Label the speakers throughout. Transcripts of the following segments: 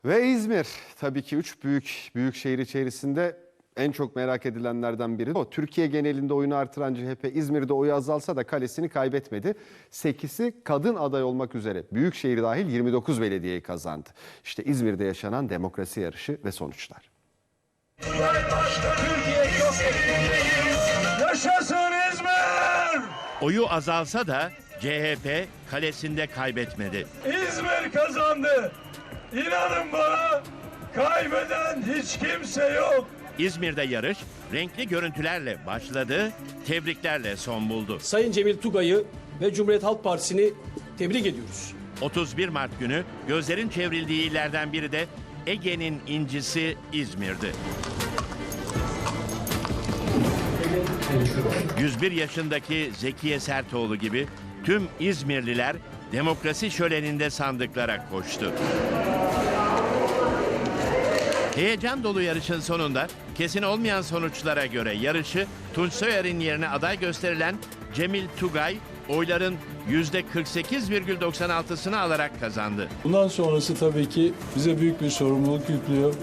Speaker 1: Ve İzmir tabii ki büyük şehir içerisinde en çok merak edilenlerden biri. O Türkiye genelinde oyunu artıran CHP İzmir'de oyu azalsa da kalesini kaybetmedi. 8'i kadın aday olmak üzere büyükşehir dahil 29 belediyeyi kazandı. İşte İzmir'de yaşanan demokrasi yarışı ve sonuçlar.
Speaker 2: Yaşasın İzmir!
Speaker 3: Oyu azalsa da CHP kalesinde kaybetmedi.
Speaker 2: İzmir kazandı. İnanın bana, kaybeden hiç kimse yok.
Speaker 3: İzmir'de yarış renkli görüntülerle başladı, tebriklerle son buldu.
Speaker 4: Sayın Cemil Tugay'ı ve Cumhuriyet Halk Partisi'ni tebrik ediyoruz.
Speaker 3: 31 Mart günü gözlerin çevrildiği illerden biri de Ege'nin incisi İzmir'di. 101 yaşındaki Zekiye Sertoğlu gibi tüm İzmirliler demokrasi şöleninde sandıklara koştu. Heyecan dolu yarışın sonunda kesin olmayan sonuçlara göre yarışı Tunç Soyer'in yerine aday gösterilen Cemil Tugay oyların %48,96'sını alarak kazandı.
Speaker 5: Bundan sonrası tabii ki bize büyük bir sorumluluk yüklüyor.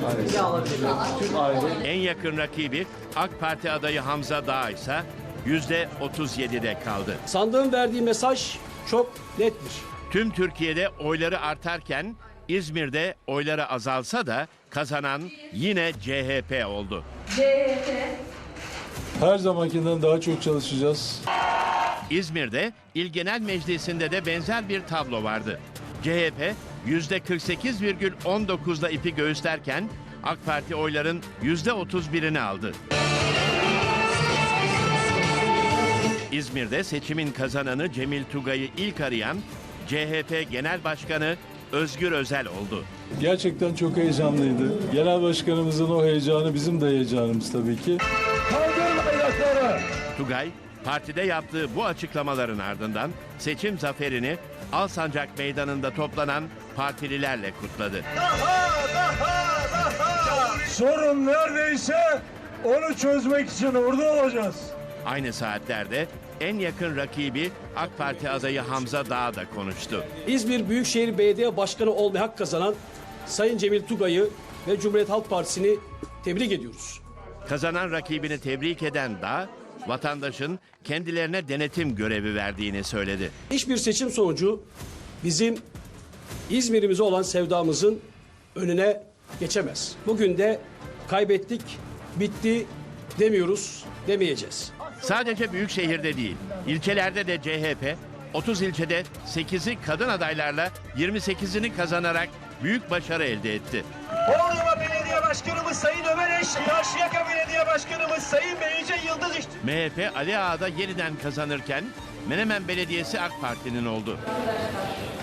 Speaker 3: En yakın rakibi AK Parti adayı Hamza Dağ ise %37'de kaldı.
Speaker 4: Sandığın verdiği mesaj çok nettir.
Speaker 3: Tüm Türkiye'de oyları artarken İzmir'de oyları azalsa da kazanan yine CHP oldu.
Speaker 5: Her zamankinden daha çok çalışacağız.
Speaker 3: İzmir'de İl Genel Meclisi'nde de benzer bir tablo vardı. CHP %48,19'la ipi göğüslerken AK Parti oyların %31'ini aldı. İzmir'de seçimin kazananı Cemil Tugay'ı ilk arayan CHP Genel Başkanı Özgür Özel oldu.
Speaker 5: Gerçekten çok heyecanlıydı. Genel başkanımızın o heyecanı bizim de heyecanımız tabii ki.
Speaker 2: Kaldırın ayakları.
Speaker 3: Tugay, partide yaptığı bu açıklamaların ardından seçim zaferini Alsancak Meydanı'nda toplanan partililerle kutladı.
Speaker 2: Sorun neredeyse onu çözmek için orada olacağız.
Speaker 3: Aynı saatlerde en yakın rakibi AK Parti adayı Hamza Dağ da konuştu.
Speaker 4: İzmir Büyükşehir Belediye Başkanı olmaya hak kazanan Sayın Cemil Tugay'ı ve Cumhuriyet Halk Partisi'ni tebrik ediyoruz.
Speaker 3: Kazanan rakibini tebrik eden Dağ, vatandaşın kendilerine denetim görevi verdiğini söyledi.
Speaker 4: Hiçbir seçim sonucu bizim İzmir'imize olan sevdamızın önüne geçemez. Bugün de kaybettik, bitti demiyoruz, demeyeceğiz.
Speaker 3: Sadece büyük şehirde değil, ilçelerde de CHP 30 ilçede 8'i kadın adaylarla 28'ini kazanarak büyük başarı elde etti.
Speaker 2: Bornova Belediye Başkanımız Sayın Ömer Eş, Karşıyaka Belediye Başkanımız Sayın Beyce Yıldız
Speaker 3: MHP Ali Ağa'da yeniden kazanırken Menemen Belediyesi AK Parti'nin oldu.